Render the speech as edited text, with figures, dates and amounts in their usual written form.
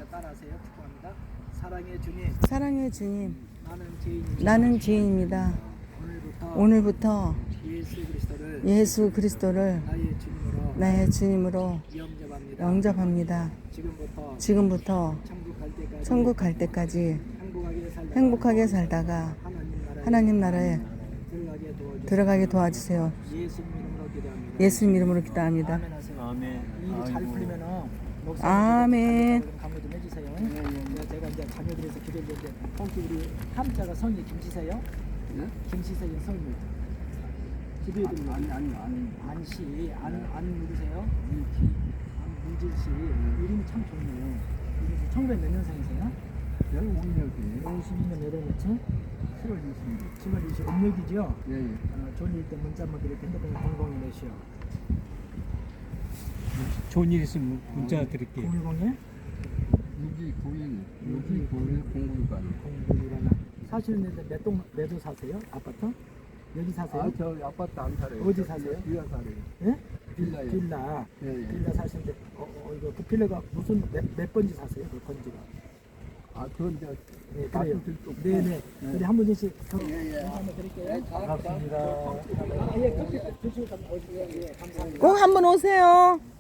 따라하세요. 축복합니다. 사랑의 주님, 사랑의 주님, 나는 죄인입니다. 나는 죄인입니다. 오늘부터 오늘부터 예수 그리스도를 예수 그리스도를 나의 주님으로 나의 주님으로 영접합니다. 영접합니다. 지금부터 천국 갈 때까지 행복하게 살다가 하나님 나라에 들어가게 도와주세요. 예수님 이름으로 기도합니다. 아멘 하세요. 아멘. 일이 잘 풀리면은 아멘. 강조 좀 해주세요. 제가 이제 자녀들에서 기도를 드리는데 혹시 우리 함자가 성이 김씨세요? 네? 김씨세요 성이 기도해 드리는 안씨 안 누구세요? 문질 씨 이름이 참 좋네요. 1900 몇 년생이세요? 52년 여덟 며칠? 7월 20일 음력이죠? 예. 좋은 일 때 문자 한번 드릴게요. 핸드폰에 002 몇이요? 좋은 일 있으면 문자 드릴게요. 010에 6291 공부일하나 사시는 데 몇도 사세요? 아파트? 여기 사세요? 저 아파트 안 살아요. 어디 사세요? 빌라 살아요. 예? 빌라요. 빌라. 예. 빌라 사시는데 이거 그 빌라가 무슨 몇 번지 사세요? 그 건지가? 그건 이제 네, 그래요. 네네. 우리 한 분씩 한번 드릴게요. 반갑습니다. 예, 커피 드시고 가면 오시고요. 예, 감사합니다. 꼭 한번 오세요.